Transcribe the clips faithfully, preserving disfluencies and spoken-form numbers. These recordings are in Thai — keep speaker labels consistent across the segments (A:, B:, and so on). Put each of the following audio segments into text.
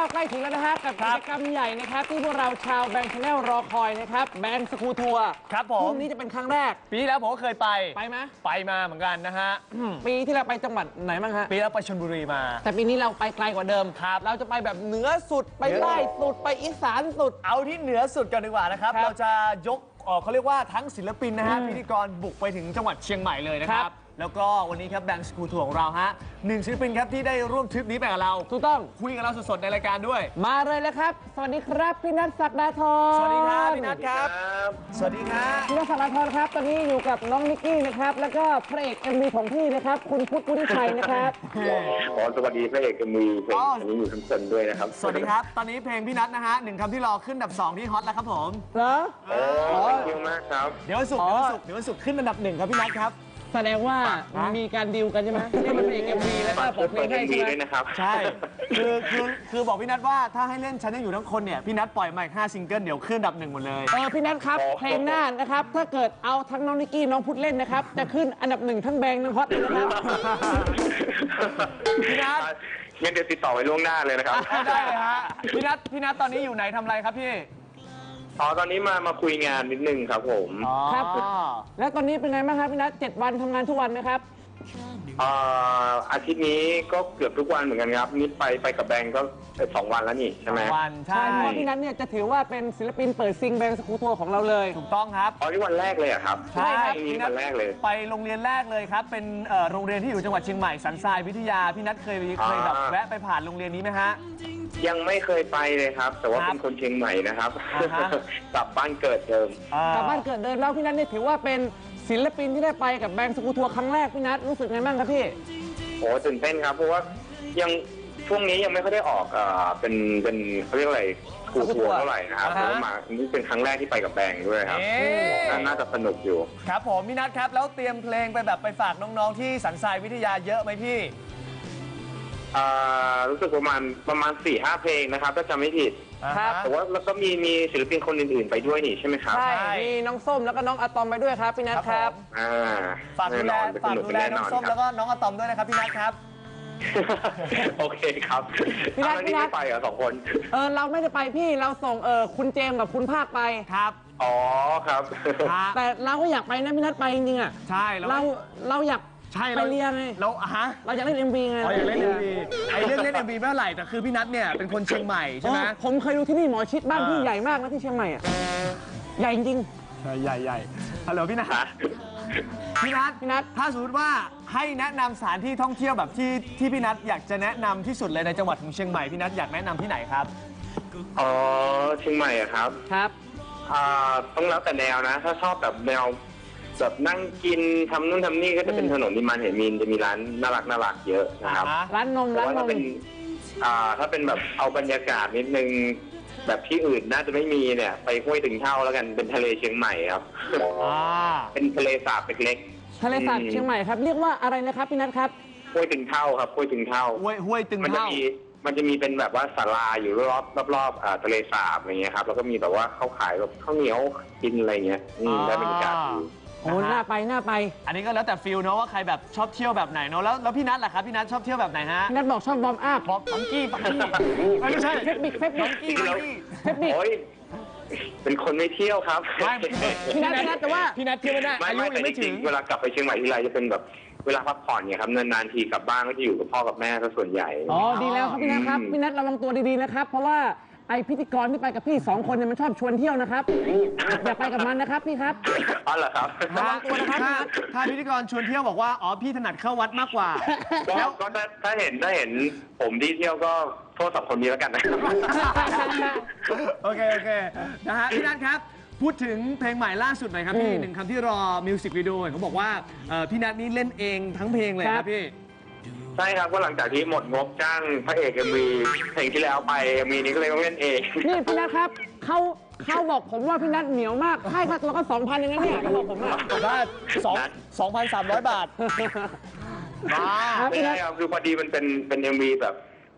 A: ใกล้ถึงแล้วนะฮะกับกิจกรรมใหญ่นะครับที่พวกเราชาวแบงค์ชาแนลรอคอยนะครับแบงค์สกูทัวร์
B: ครับผ
A: พ
B: ม
A: รุ่งนี้จะเป็นครั้งแรก
B: ปีที่แล้วผมก็เคยไป
A: ไปไหม
B: ไปมาเหมือนกันนะฮะ
A: ปีที่เราไปจังหวัดไหนบ้างฮะ
B: ปีแล้วไปชลบุรีมา
A: แต่ปีนี้เราไปไกลกว่าเดิมครับเราจะไปแบบเหนือสุดไปใต้สุดไปอีสานสุด
B: เอาที่เหนือสุดกันดีกว่านะครับเราจะยกเขาเรียกว่าทั้งศิลปินนะฮะพิธีกรบุกไปถึงจังหวัดเชียงใหม่เลยนะครับแล้วก็วันนี้ครับแบงค์สกูทัวร์ของเราฮะหนึ่งศิลปินครับที่ได้ร่วมทริปนี้ไปกับเรา
A: ถูกต้อง
B: คุยกับเราสดๆในรายการด้วย
A: มาเลยแล้วครับสวัสดีครับพี่นัทศักดาธร
B: สวัสดีครับพี่นัทครับสวัสดีครับ
A: พี่นัทศักดาธรครับตอนนี้อยู่กับน้องนิกกี้นะครับแล้วก็พระเอกเอ็มวีของพี่นะครับคุณพุทธวุฒิชัยนะครับ
C: อ๋อสวัสดีพระเอกเอ็มวีเพลงนี้อยู่ทั้งคนด้วยนะครับ
B: สวัสดีครับตอนนี้เพลงพี่นัทนะฮะหนึ่งคำที่รอขึ้นอันดับสองที่ฮอตแล้วครับผม
A: เหรอ
C: โอ้ขอบคุณมากครับ
B: เดี๋ยววันศุกร์เดี๋ยววันศุกร์เดี๋ยววันศุกร์ขึ้นอันดับหนึ่งครับพี่นัทครับ
A: แสดงว่ามีการดีลกันใช่ไหมที่มันเป็นเอ็มวีแล้วก็ผมเพลงให้ใช่ไหม
C: นะครับ
B: ใช่คือคือคือบอกพี่นัทว่าถ้าให้เล่นฉันยังอยู่ทั้งคนเนี่ยพี่นัทปล่อยมาอีกห้าซิงเกิลเดี๋ยวขึ้นอันดับหนึ่งหมดเลย
A: เออพี่นัทครับเพลงหน้านะครับถ้าเกิดเอาทั้งน้องนิกกี้น้องพุทธเล่นนะครับจะขึ้นอันดับหนึ่งทั้งแบงค์ทั้งฮอตเลยนะครับ
B: พี่นัท
C: งั้นเดี๋ยวติดต่อไว้ล่วงหน้าเลยนะครับ
B: ได้เลยฮะพี่นัทพี่นัทตอนนี้อยู่ไหนทำอะไรครับพี่
C: อ๋อตอนนี้มามาคุยงานนิดนึงครับผม
A: ครับแล้วตอนนี้เป็นไงบ้างครับพี่นัทเจ็ดวันทำงานทุกวันไหมครับ
C: อาทิตย์นี้ก็เกือบทุกวันเหมือนกันครับนิดไปไปกับแบงก์ก็สองวันแล้วนี่ใช่ไหม
B: วัน
A: ใช่เพราะพี่นัทเนี่ยจะถือว่าเป็นศิลปินเปิดซิงแบงค์สกูทัวร์ของเราเลย
B: ถูกต้องครับ
C: อ๋อที่วันแรกเลยครับ
B: ใช่ครับ
C: นี่วันแรกเลย
B: ไปโรงเรียนแรกเลยครับเป็นโรงเรียนที่อยู่จังหวัดเชียงใหม่สันทรายวิทยาพี่นัทเคยเคยแบบแวะไปผ่านโรงเรียนนี้ไหมฮะ
C: ยังไม่เคยไปเลยครับแต่ว่าเป็นคนเชียงใหม่นะครับกลับบ้านเกิดเดิม
A: กลับบ้านเกิดเดิมแล้วพี่นัทเนี่ยถือว่าเป็นศิลปินที่ได้ไปกับแบงค์สกูทัวร์ครั้งแรกพี่นัทรู้สึกไงบ้างครับพี่
C: โอ้ตื่นเต้นครับเพราะว่ายังช่วงนี้ยังไม่ค่อยได้ออกอ่าเป็นเป็นเขาเรียกอะไรสกูทัวร์เท่าไหร่นะครับเพราะว่ามานี่เป็นครั้งแรกที่ไปกับแบงค์ด้วยครับน่าจะสนุกอยู่
B: ครับผมพี่นัทครับแล้วเตรียมเพลงไปแบบไปฝากน้องๆที่สันทรายวิทยาเยอะไหมพี่
C: รู้สึกประมาณประมาณสี่ห้าเพลงนะครับถ้าจำไม่ผิด
A: ครับ
C: แต่ว่าแล้วก็มีมีศิลปินคนอื่นๆไปด้วยนี่ใช่ไหมครับ
A: ใช่มีน้องส้มแล้วก็น้องอะตอมไปด้วยครับพี่นัทครับ
B: ฝากดูแลฝากดูแลน้องส้มแล้วก็น้องอะตอมด้วยนะครับพี่นัทครับ
C: โอเคครับ
A: พี่นัทพี่นัท
C: ไปเหรอสองคน
A: เออเราไม่ได้ไปพี่เราส่งเออคุณเจมส์กับคุณภาคไป
B: ครับ
C: อ๋อครับ
A: แต่เราก็อยากไปนะพี่นัทไปจริงๆอ่ะ
B: ใช่
A: เราเราอยาก
B: ใช่
A: ไปเรียนไง
B: เราฮะ
A: เราอยากเล่น เอ็ม วี ไง
B: เราอยากเล่น เอ็ม วี ไอ้เรื่องเล่น เอ็ม วี ไม่เท่าไหร่แต่คือพี่นัทเนี่ยเป็นคนเชียงใหม่ใช่ไหม
A: ผมเคยดูที่นี่หมอชิดบ้านพี่ใหญ่มากนะที่เชียงใหม่อ่ะใหญ่จริง
B: ใหญ่ใหญ่ฮัลโหลพี่นัทพี่นัทพี่นัทถ้าสมมติว่าให้แนะนำสถานที่ท่องเที่ยวแบบที่ที่พี่นัทอยากจะแนะนำที่สุดเลยในจังหวัดของเชียงใหม่พี่นัทอยากแนะนำที่ไหนครับ
C: อ๋อเชียงใหม่อะครับ
A: ครับ
C: อ่าต้องแล้วแต่แนวนะถ้าชอบแบบแนวแบบนั่งกินทำนู่นทำนี่ก็จะเป็นถนนนิมานเหมินจะมีร้านน่ารักน่ารักเยอะนะครับ
A: ร้านนมร้านนม
C: ถ้าเป็นอ่าถ้าเป็นแบบเอาบรรยากาศนิดนึงแบบที่อื่นน่าจะไม่มีเนี่ยไปห้วยตึงเท่าแล้วกันเป็นทะเลเชียงใหม่ครับเป็นทะเลสาบเล็ก
A: ๆทะเลสาบเชียงใหม่ครับเรียกว่าอะไรนะครับพี่นัทครับ
C: ห้วยตึงเท่าครับห้วยตึงเท่า
B: ห้วยห้วยตึงเท่า
C: มันจะมีเป็นแบบว่าศาลาอยู่รอบรอบๆทะเลสาบอะไรเงี้ยครับแล้วก็มีแบบว่าเขาขายแบบข้าวเหนียวกินอะไรเงี้ยได้บรรยากาศดี
A: โอ้น่าไปน่าไป
B: อันนี้ก็แล้วแต่ฟิลเนาะว่าใครแบบชอบเที่ยวแบบไหนเนาะแล้วแล้วพี่นัทล่ะครับพี่นัทชอบเที่ยวแบบไหนฮะ
A: พี่นัทบอกชอบบอมอัพ
B: บอมบังกี้บังกี้ไม่ใช่
A: เทคนิคเทคนิค
B: กี้บังกี้
A: เทคนิค
C: เป็นคนไม่เที่ยวครับ
A: พี่นัทพี่นัทแต่ว่า
B: พี่นัทเที่ยวไม่ได้อายุยังไม่ถึง
C: เวลากลับไปเชียงใหม่ทีไรจะเป็นแบบเวลาพักผ่อนเนี่ยครับนานๆทีกลับบ้านก็จะอยู่กับพ่อกับแม่ซะส่วนใหญ่
A: อ๋อดีแล้วครับพี่นัทครับพี่นัทระวังตัวดีๆนะครับเพราะว่าไอพิธีกรที่ไปกับพี่สองคนเนี่ยมันชอบชวนเที่ยวนะครับอย่าไปกับมันนะครับพี่ครับ
C: อ๋อเหรอครับ
A: ระวังตัวนะครับ
B: ถ้าพิธีกรชวนเที่ยวบอกว่าอ๋อพี่ถนัดเข้าวัดมากกว่า
C: แล้วก็ถ้าเห็นถ้าเห็นผมที่เที่ยวก็โทษสองคนนี้แล้วกันนะ
B: โอเคโอเคนะฮะพี่นัทครับพูดถึงเพลงใหม่ล่าสุดหน่อยครับพี่หนึ่งคำที่รอมิวสิกวิดีโอเขาบอกว่าพี่นัทนี่เล่นเองทั้งเพลงเลยครับพี่
C: ใช่ครับก็หลังจากที่หมดงบจ้างพระเอกเอ็มวีเพลงที่แล้วไปเอ็มวีนี้ก็เลยต้องเล่นเอง
A: นี่พี่นัทครับเขาเขาบอกผมว่าพี่นัทเหนียวมากให้ค่าตัวก็สองพันอย่างนั้นเนี่ยเขาบอกผมว่า
B: ได้สองสองพันสามร้อยบาท
C: มาไม่ใช่ครับคือพอดีมันเป็นเป็นเอ็มวีแบบ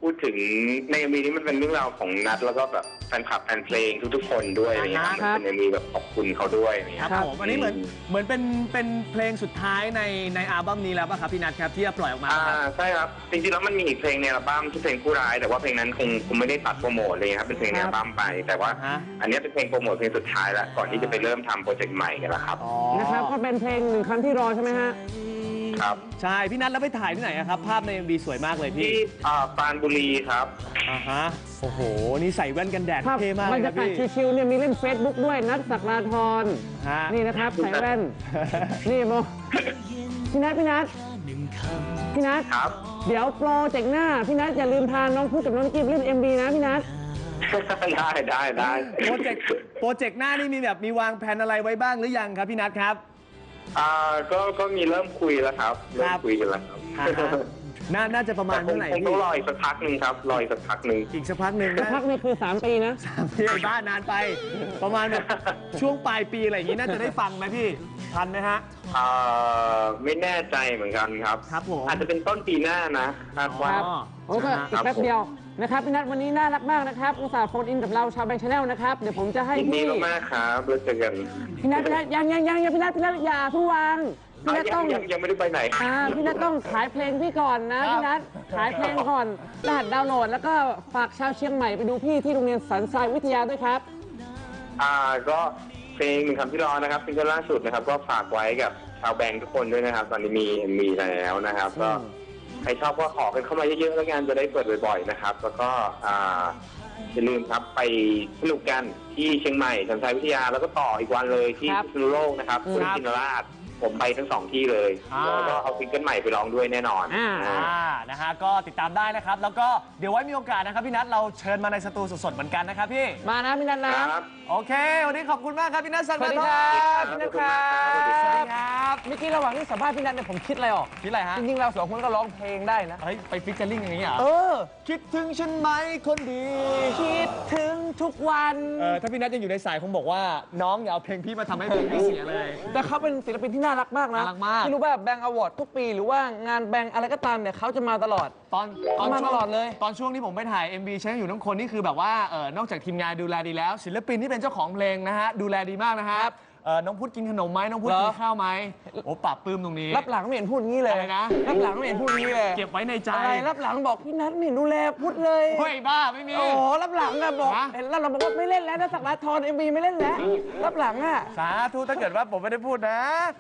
C: พูดถึงในเอ็มวีนี้มันเป็นเรื่องราวของนัดแล้วก็แบบแฟนคลับแฟนเพลงทุกๆคนด้วยอะไรเงี้ย
B: ครับ
C: มันเป็นเอ็มวีแบบขอบคุณเขาด้วยอะไร
B: ค
C: เงี้
B: รับ
C: ย
B: ผมอันนี้เหมือนเหมือนเป็นเป็นเพลงสุดท้ายในในอัลบั้มนี้แล้วป่ะครับพี่นัทครับที่จะปล่อยออกมา
C: อ่า
B: ครับ
C: ใช่ครับจริงๆแล้วมันมีอีกเพลงในอัลบั้มที่เพลงผู้ร้ายแต่ว่าเพลงนั้นคงคงไม่ได้ตัดโปรโมทเลยครับเป็นเพลงในอัลบั้มไป แต่ว่า
B: ฮะ
C: อันนี้เป็นเพลงโปรโมทเพลงสุดท้ายแล้วก่อนที่จะไปเริ่มทำโปรเจกต์ใหม่กันแล้วครับ
B: อ๋อ
A: นะครับก็เป็นเพลงหนึ่งคำที่รอใช่ไหมฮะ
C: ครับ
B: ใช่พี่นัทแล้วไปถ่ายที่ไหนอะครับภาพใน เอ็ม วี สวยมากเลยพี่
C: ที่อ่าปรานบุรีครับ
B: อ่าฮะโอ้โหนี่ใส่แว่นกันแดด
A: ภาพ
B: เท่มาก
A: บ
B: เล
A: ร
B: ย
A: ร
B: ค
A: ยา
B: รับ
A: กาศ
B: พี่
A: ชิวๆเนี่ยมีเล่น Facebook ด้วยนัทศักดาธร
B: ฮะ
A: นี่นะครับใส่แว่น นี่โมพี่นัทพี่นัทพี่นัท
C: ครับ
A: เดี๋ยวโปรเจกต์หน้า พี่นัทอย่าลืมพาน้องพูดกับน้องนิกกี้ไปเล่น เอ็ม บี นะพี่นัท
C: ได้ได้ได้
B: โปรเจกต์โปรเจกต์หน้านี่มีแบบมีวางแผนอะไรไว้บ้างหรือยังครับพี่นัทครับ
C: อ่าก็ก็มีเริ่มคุยแล้วครับเริ่
B: ค
C: ม
B: รับ
C: คุยกันแล้วครับ
B: อ่าฮะน่าน่าจะประมา
C: แต่
B: ณ
C: คง
B: เมื่อไหร่
C: คงต้
B: พี่
C: องรออีกสักพักหนึ่งครับรออีกสักพักหนึ่ง
B: อีกสักพักหนึ่ง
A: สัก
B: นะ
A: พักนี่คือ สาม ปีนะ
B: พี่บ้านนานไป ประมาณแบบช่วงปลายปีอะไรอย่างนี้น่าจะได้ฟังไหมพี่ทันไหมฮะ
C: อ่าไม่แน่ใจเหมือนกันครับ
B: ครับผม
C: อาจจะเป็นต้นปีหน้านะคาดว่า
A: ครับ โอ้ก็
B: นะ
A: อี
B: ฮะ
A: กแป๊บเดียวนะครับพี่นัทวันนี้น่ารักมากนะครับอุตส่าห์โฟนอินกับเราชาวแบงค์ชาแนลนะครับเดี๋ยวผมจะให้
C: ยินดี
A: พี่
C: มากๆครับแล้วเจอกัน
A: พี่นัทพี่นัทยังยังยังยังพี่นัทพี่นัทอย่าเพิ่งวางพี่นัท
C: ยั
A: ต้อง
C: ยังยังไม่ได้ไปไหน
A: อ่าพี่นัทต้องขายเพลงพี่ก่อนนะพี่นัทขายเพลงก่อนรหัสดาวน์โหลด แล้วก็ฝากชาวเชียงใหม่ไปดูพี่ที่โรงเรียนสันทรายวิทยาด้วยครับ
C: อ่าก็เพลงหนึ่งคำที่รอนะครับซิงเกิลล่าสุดนะครับ ก็ฝากไว้กับชาวแบงค์ทุกคนด้วยนะครับ ตอนนี้มีมีแล้วนะครับ ก็ใครชอบก็ขอกันเข้ามาเยอะๆแล้วกันจะได้เปิดบ่อยๆนะครับ แล้วก็อ่าอย่าลืมครับไปสนุกกันที่เชียงใหม่สันทรายวิทยาแล้วก็ต่ออีกวันเลยที่
A: ครับ
C: พิษณุโลกนะครับ
A: อืม
C: คุณจินราชผมไปทั้งสองที่เลย
B: อ่า
C: แล้วก็เอาซิงเกิลใหม่ไปร้องด้วยแน่นอน
A: อ่า
C: อ่า
B: อ่านะฮะก็ติดตามได้นะครับ แล้วก็เดี๋ยวไว้มีโอกาสนะครับพี่นัทเราเชิญมาในสตูสดๆเหมือนกันนะครับพี่
A: มานะพี่นัทนะ
C: ครับ
B: โอเค วันนี้ขอบคุณมากครับพี่นัทสัก
A: สวัสดี
B: ท
A: ค
B: อ
A: รับ
B: ง
A: พี่นัทครับ
C: สวัสดี
B: ส
C: ค
B: วัส
C: รั
B: ดีครับ
A: เมื่อกี้ระหว่างที่สัมภาษณ์พี่นัทเนี่ยผมคิดอะไรออก
B: คิดอะไรฮะ
A: จริงๆเราสองคนก็ร้องเพลงได้นะ
B: เฮ้ยไปฟิชเชอร์ลิงอย่างนี้เหรอ
A: เออ
B: คิดถึงฉันไหมคนดี
A: คิดถึงทุกวัน
B: เออถ้าพี่นัทยังอยู่ในสายคงบอกว่าน้องอย่าเอาเพลงพี่มาทำให้เพลงพี่เสียเลย
A: แต่เขาเป็นศิลปินที่น่ารักมากนะ
B: น่ารักมาก
A: ที่รู้ว่าแบงก์อวอร์ดทุกปีหรือว่างานแบงก์อะไรก็ตามเนี่ยเขาจะมาตลอด
B: ตอนตอน
A: มา
B: ช่วง
A: ตลอดเลย
B: ตอนช่วงที่ผมไปถ่าย เอ็ม วี ใช้อยู่ทั้งคนนี่คือแบบว่าเออนอกจากทีมงานดูแลดีแล้ว ศิลปินที่เป็นเจ้าของเพลงนะฮะดูแลดีมากนะฮะเออน้องพุทธกินขนมไหมน้องพุทธ
A: เหรอ
B: กินข้าวไหมโอ้ปรับปลื้มตรงนี้
A: รับหลังไม่เห็นพูดงี้เลย
B: อะไรนะ
A: รับหลังไม่เห็นพูดงี้เลย
B: เก็บไว้ในใจ
A: อะไรรับหลังบอกพี่นัทไม่เห็นดูแลพูดเลย
B: เฮ้ยบ้าไม่มี
A: โอ้โหรับหลังอะบอก
B: ฮะ
A: เห็นแล้วเราบอกว่าไม่เล่นแล้วนะสักดาทรเอ็มบีไม่เล่นแล้วรับหลังอะ
B: สาธุถ้าเกิดว่าผมไม่ได้พูดนะ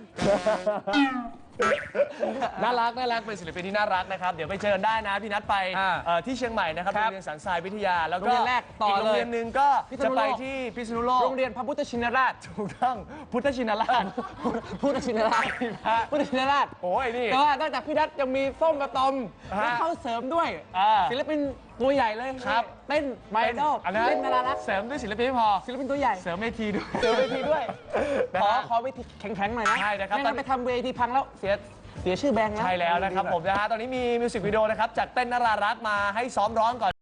B: น่ารักน่ารักเป็นศิลปินที่น่ารักนะครับเดี๋ยวไปเจอกันได้นะพี่นัทไป
A: อ่า
B: เอ่อที่เชียงใหม่นะครับ
A: ครั
B: โร
A: บ
B: งเรียนสันทรายวิทยา แล้ว
A: โร
B: ก็
A: งเรียนแรกต่อ
B: อีกโรงเรียน
A: เลย
B: หนึ่งก็
A: พิษ
B: จะ
A: ณุโลก
B: ไปที่พิษณุโลก
A: โรงเรียนพระพุทธชินราช
B: ถูกต้องพุทธชินราช
A: พุทธชินราชพุทธชินราช
B: โอ้ยนี่
A: แต่ว่านอกจากพี่นัทยังมีส้มกระตอม
B: ฮะ
A: แล้วเข้าเสริมด้วย
B: อ่า
A: ศิลปินตัวใหญ่เลย
B: ครับ
A: เต้นไบดอล
B: อันนั้น
A: เล่นนารารัก
B: เสริมด้วยศิลปินไม่พอ
A: ศิลปินตัวใหญ่
B: เสริมเวทีด้วย
A: เจอเวทีด้วย
B: นะ
A: ขอ
B: ฮะ
A: ขอเวทีแข็งๆหน่อยนะ
B: ใช่นะครับ
A: ไม่งั้นไปทำเวทีพังแล้วเสียเสียชื่อแบงค์นะ
B: ใช่แล้วนะครับผมนะฮะตอนนี้มีมิวสิกวิดีโอนะครับจากเต้นนารารักมาให้ซ้อมร้องก่อน